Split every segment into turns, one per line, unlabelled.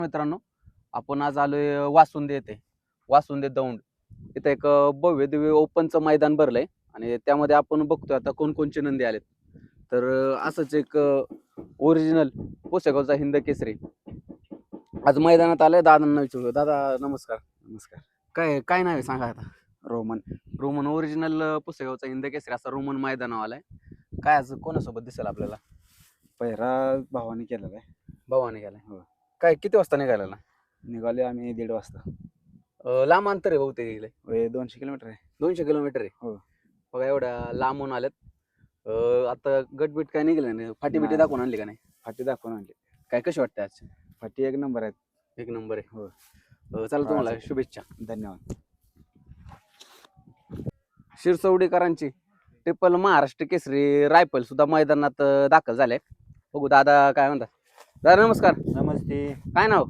मित्रांनो, आपण आज आलोय वासुंदे येथे. वासुंदे दौंड इथं एक भव्य दिव्य ओपनचं मैदान भरलंय आणि त्यामध्ये आपण बघतोय आता कोणकोणचे नंदी आलेत. तर असंच एक ओरिजिनल पुसेगावचा हिंद केसरी आज मैदानात आलाय. दादांना विचारू. दादा नमस्कार.
नमस्कार.
काय काय नाव आहे सांगा आता.
रोमन.
रोमन ओरिजिनल पुसेगावचा हिंद केसरी असा रोमन मैदानावर आलाय. काय आज कोणासोबत दिसेल आपल्याला?
पहिरा भावाने केलेला आहे.
भावाने गेलाय.
हो.
काय किती वाजता निघालेला?
निघाले आम्ही 1:30 वाजता.
लांब अंतर आहे बहुतेक इकडे.
200 किलोमीटर आहे.
200 किलोमीटर आहे.
हो.
बघा एवढ्या लांबून आल्यात. आता गटबीट काय निघलं नाही? फाटी बिटी
नाही.
दाखवून आणली का नाही?
फाटी दाखवून आणली.
काय कशी वाटते आज?
फाटी एक नंबर आहेत.
एक नंबर आहे.
हो.
चला तुम्हाला शुभेच्छा.
धन्यवाद.
शिरसवडीकरांची ट्रिपल महाराष्ट्र केसरी रायफल सुद्धा मैदानात दाखल झाले. बघू दादा काय म्हणतात. दादा नमस्कार.
नमस्ते.
काय नाव?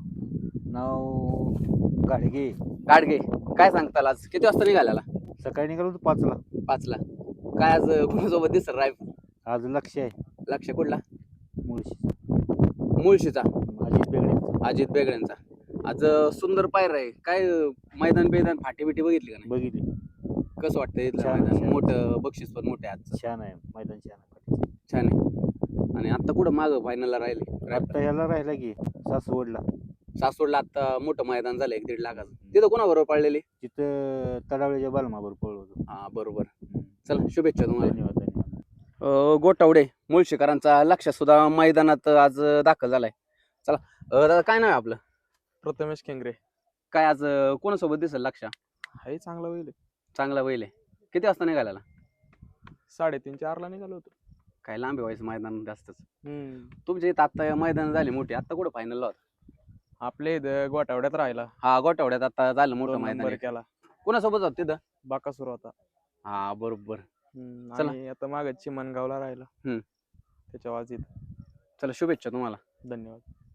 नाव गाडगे.
गाडगे. काय सांगताल आज किती वाजता निघालेला?
सकाळी निघालो होतो 5ला.
5ला. काय आज कोणासोबत दिसत रायफल?
आज लक्ष आहे.
लक्ष कुठला?
मुळशी.
मुळशीचा
अजित बेगडे.
अजित बेगड्यांचा. आज सुंदर पायरा आहे. काय मैदान बेदान फाटी बिटी बघितली का नाही?
बघितली.
कसं वाटतं इथलं
छान,
मैदान?
छान.
मोठं बक्षीस पण मोठे आज.
छान आहे मैदान. छान आहे.
छान आहे. आणि आता कुठं मागं फायनलला राहिले?
आता ह्याला राहिला की सासवडला.
सासवडला आता मोठं मैदान झालं 1-1.5 लाखाचं. तिथं कोणाबरोबर पडलेली?
तिथं तडावळीच्या बालमावर पळलो होतो.
हा बरोबर. चला शुभेच्छा तुम्हाला.
धन्यवाद. धन्यवाद.
गोटावडे मुळशीकरांचा लक्ष सुद्धा मैदानात आज दाखल झालाय. चला दादा काय नाव आहे आपलं?
प्रथमेश केंगरे.
काय आज कोणासोबत दिसेल लक्ष?
हाही चांगला होईल.
चांगला बैल आहे. किती वाजता निघालेला?
3:30-4ला निघालो होतो.
काय लांबे व्हायचं मैदान जास्तच. तुमच्या इथं आता मैदान झाले मोठे. आता कुठं फायनलला होता?
आपल्या इथं गोटावड्यात राहिला.
हा गोटावड्यात आता झालं मोठं
2
मैदान
नंबर
आहे.
केला.
कोणासोबत होत तिथं?
बाकासूर होता.
हा बरोबर. चला.
आणि आता मागे चिमणगावला राहिला. त्याच्या वाजीत.
चला शुभेच्छा तुम्हाला.
धन्यवाद.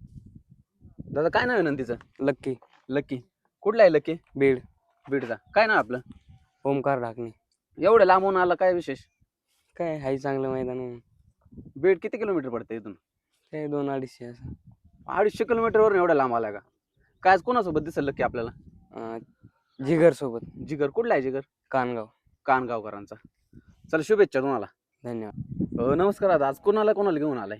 दादा काय नाव आहे नंदीचं?
लक्की.
लकी. कुठला आहे लकी?
बीड.
बीडचा. काय नाव आपलं?
ओमकार ढाकणे.
एवढं लांबून आला काय विशेष?
काय हाय चांगलं मैदान आहे.
बीड किती किलोमीटर पडतं इथून?
काय 200-250 असं.
250 किलोमीटरवरून एवढा लांब आला का? काय आज कोणासोबत दिसेल लकी आपल्याला?
जिगर सोबत.
जिगर. कुठला आहे जिगर?
कानगाव.
कानगावकरांचा. चला शुभेच्छा तुम्हाला.
धन्यवाद.
नमस्कार दादा. आज कोणाला घेऊन आलाय?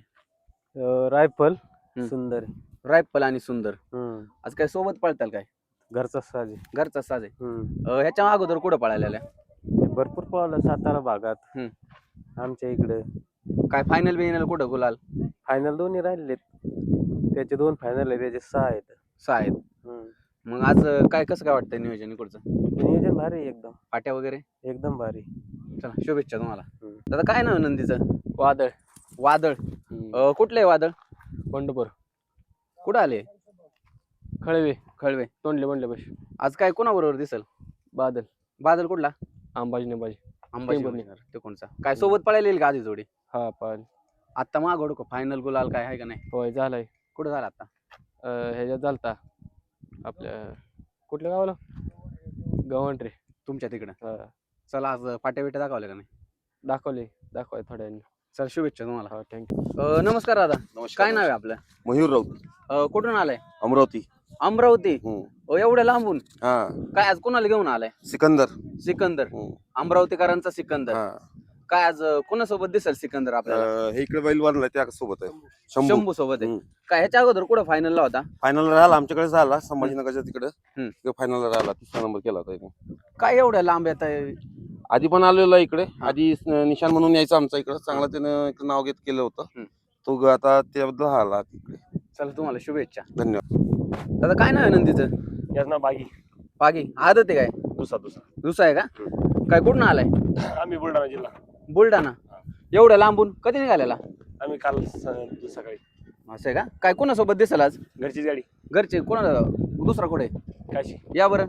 रायफल.
हम्म.
सुंदर.
रायफल आणि सुंदर. आज काय सोबत पळताल काय?
घरचा साज आहे.
घरचा साज आहे. ह्याच्या अगोदर कुठं पळालेल्या?
भरपूर पळालं सातारा भागात. आमच्या इकडे
काय फायनल बिनल कुठं गुलाल?
फायनल दोन्ही राहिलेत. त्याचे 2 फायनल आहे. त्याचे 6 आहेत.
6 आहेत. मग आज काय कसं काय वाटतंय नियोजन इकडचं?
नियोजन भारी आहे एकदम.
फाट्या वगैरे
एकदम भारी.
चला शुभेच्छा तुम्हाला. दादा काय नाव आहे नंदीचं?
वादळ.
वादळ. कुठलं आहे वादळ?
पंढरपूर.
कुठं आले?
खळवे.
खळवे.
तोंडले बनले बस.
आज काय कोणाबरोबर दिसेल?
बादल.
बादल कुठला?
अंबाजी नेबाजी.
अंबाजी
टेंभुर्णी.
ते कोणचा? काय सोबत पळायला येईल का आधी जोडी?
हा पाल.
आता मागवड फायनल गुलाल काय आहे का नाही?
होय झालाय.
कुठं झाला आता?
ह्याच्यात झालता आपल्या कुठल्या गावाला? गव्हाण रे.
तुमच्या तिकडं. चला आज फाट्या बिट्या दाखवल्या का नाही?
दाखवले थोड्या वेळाने.
चला शुभेच्छा तुम्हाला.
हा थँक्यू.
नमस्कार दादा.
नमस्कार.
काय नाव आहे आपलं?
मयूर राऊत.
कुठून आलाय?
अमरावती.
अमरावती.
हम्म.
एवढ्या लांबून
हा.
काय आज कोणाला घेऊन आलाय?
सिकंदर.
सिकंदर.
हम्म.
अमरावतीकरांचा सिकंदर.
हा.
काय आज कोणासोबत दिसेल सिकंदर आपल्याला?
हे इकडे बैल वाढलाय त्या सोबत आहे.
शंभू सोबत आहे.
हम्म.
काय ह्याच्या अगोदर कुठं फायनलला होता?
फायनल राहिला आमच्याकडे झाला संभाजीनगरच्या तिकडे.
हम्म.
फायनल राहिला 3रा नंबर केला होता इथे.
काय एवढ्या लांब येत आहे?
आधी पण आलेला इकडे.
हा.
आधी निशान म्हणून यायचं आमचा इकडे. चांगलं त्यानं इकडे नाव घेत केलं होतं. तो आता त्याबद्दल आला तिकडे.
चला तुम्हाला शुभेच्छा.
धन्यवाद.
दादा काय नाव आहे नंदीचं?
याच ना बागी.
बागी. आदत आहे काय? दुसरा आहे का? काय कुठून आलाय?
आम्ही बुलढाणा जिल्हा.
बुलढाणा. एवढ्या लांबून कधी निघालेला?
आम्ही काल सकाळी.
असं आहे का? काय कोणासोबत दिसेल आज?
घरचीच गाडी.
घरचे कोणा? दुसरा कुठे?
काशी.
या बरं.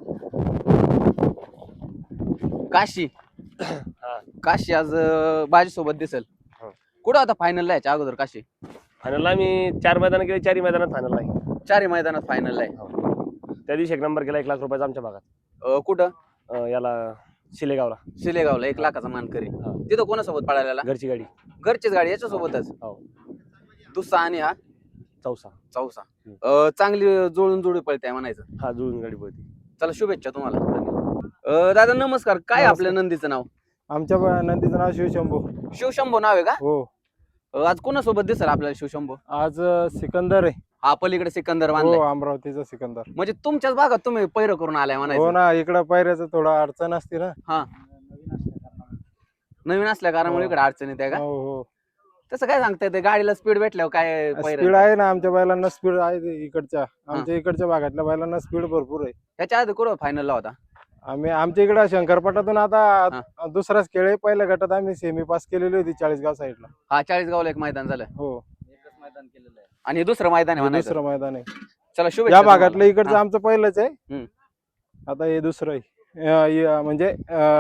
काशी. काशी आज बाजीसोबत दिसेल. कुठं आता फायनलला याच्या अगोदर काशी?
फायनलला आम्ही 4 मैदान केले. 4ही मैदानात फायनल आहे.
4 मैदानात फायनलला आहे.
त्या दिवशी 1 नंबर केला 1 लाख रुपयाचा आमच्या भागात.
कुठं?
याला शिलेगावला.
शिलेगावला 1 लाखाचा मानकरी. तिथं कोणासोबत पळालेला?
घरची गाडी.
घरचीच गाडी याच्यासोबतच.
हो.
दुसरा आणि हा
चौसा.
चौसा. चांगली जुळून जुळी पळते म्हणायचं.
हा जुळून गाडी पळते.
चला शुभेच्छा तुम्हाला. दादा नमस्कार, काय
नमस्कार.
आपल्या नंदीचं नाव?
आमच्या नंदीचं नाव शिवशंभू.
शिवशंभू नाव आहे का?
हो.
आज कोणासोबत दिसेल आपल्याला शिवशंभू?
आज सिकंदर आहे.
हा पलीकडे सिकंदर
हो,
बांधलाय.
अमरावतीचा सिकंदर.
म्हणजे तुमच्याच भागात तुम्ही पैर करून आलाय
हो
म्हणायचं.
ना, इकडं पायऱ्याचं थोडं अडचण असते ना.
नवीन असल्या कारणामुळे
हो.
इकडे अडचण येते का?
हो हो.
तसं काय सांगता येते, गाडीला स्पीड भेटल्यावर काय पैर?
स्पीड आहे ना, आमच्या बैलांना स्पीड आहे इकडच्या. आमच्या इकडच्या भागातल्या बैलांना स्पीड भरपूर आहे.
ह्याच्या आधी कुठं फायनलला होता?
आमच्या इकडं शंकरपटातून आता दुसराच खेळ आहे. पहिल्या गटात आम्ही सेमी पास केलेली होती चाळीसगाव साईडला.
हा 40 एक मैदान झालं.
हो,
आणि हे दुसरं मैदान आहे
हे
म्हणायचं.
दुसरं मैदान आहे.
चला शुभेच्छा
या
तुम्हाला.
भागातलं इकडचं
हा.
आमचं पहिलंच आहे.
हम्म.
आता हे दुसरं आहे. म्हणजे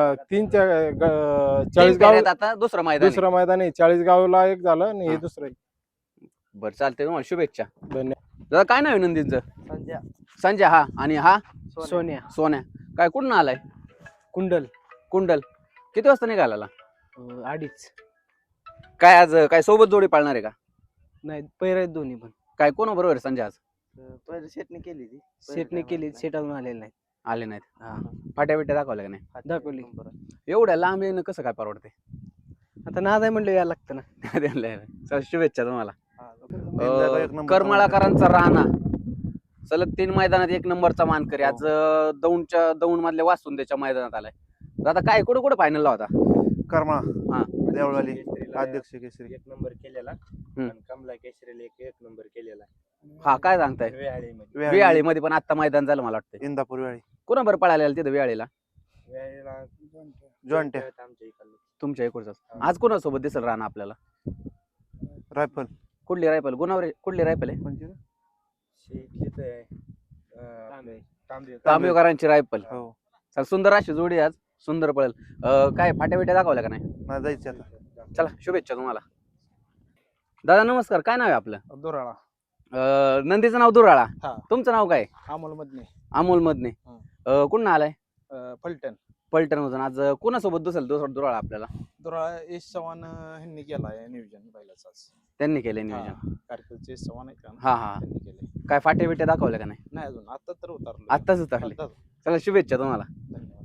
तीन
चाळीसगाव
फेऱ्यात आता दुसरं मैदान आहे.
दुसरं मैदान आहे. चाळीसगावला एक झालं आणि हे
हा.
दुसरं आहे.
बरं चालतंय, तुम्हाला शुभेच्छा.
धन्यवाद.
दादा काय नाव आहे नंदींचं? संजय. हा आणि हा
सोन्या.
सोन्या. काय कुठून आलाय?
कुंडल.
कुंडल. किती वाजता निघाला?
2:30.
काय आज काय सोबत जोडी पाळणार आहे का?
नाही पैर आहेत दोन्ही पण.
काय कोण बरोबर आहे संजय आज?
सेटने केली ती. सेटने केली, सेट अजून आलेले नाही.
आले नाहीत. फाट्या बिट्या दाखवल्या का नाही?
दाखवली.
एवढ्या लांब येणं कसं काय परवडते?
आता नाद आहे म्हणलं यायला लागतं ना.
चला, शुभेच्छा तुम्हाला.
एक नंबरचा
करमाळाकरांचा राणा सलग 3 मैदानात 1 नंबरचा मानकरी आज दौंड मधल्या वासुंदेच्या मैदानात आलाय. दादा काय कुठे कुठे फायनलला होता?
करमाळा.
हा.
देवळाली अध्यक्ष केसरी.
1 नंबर केलेला.
हम्म.
आणि कमला केसरीला 1 नंबर केलेला.
हा काय सांगताय?
वेळाळीमध्ये.
वेळाळी मध्ये पण आता मैदान झालं मला वाटतं.
इंदापूर वेळी
कोणा बरं पळालेला तिथं वेळेला?
वेळेला
जॉईंट
आमच्या इकडलं.
तुमच्या इकडचाच. आज कोणासोबत दिसेल राणा आपल्याला?
रायफल.
कुठली रायफल? गुणावरे कुठली रायफल आहे?
शेतीचं आहे.
तांबेकरांची रायफल.
हो.
चल, सुंदर अशी जोडी आज, सुंदर पळेल. काय फाट्या बिट्या दाखवल्या का नाही?
नाही जायचं आता.
चला शुभेच्छा तुम्हाला. दादा नमस्कार, काय नाव आहे आपलं?
दुराळा.
नंदीचं नाव दुराळा.
हा.
तुमचं नाव काय?
अमोल मधने.
अमोल मधने. कुठं आलाय?
फलटण.
पलटण मधून. आज कोणासोबत दिसेल दुराळा आपल्याला?
दुराळा यश चव्हाण ह्यांनी केलाय नियोजन बैलाचं आज.
त्यांनी केलंय नियोजन.
कारकिर्दचे यश चव्हाण आहेत का ना,
हा हा.
त्यांनी केलंय.
काय फाट्या बिट्या दाखवल्या का नाही?
नाही अजून आता तर उतरलो.
आत्ताच उतरले. चला शुभेच्छा तुम्हाला.
धन्यवाद.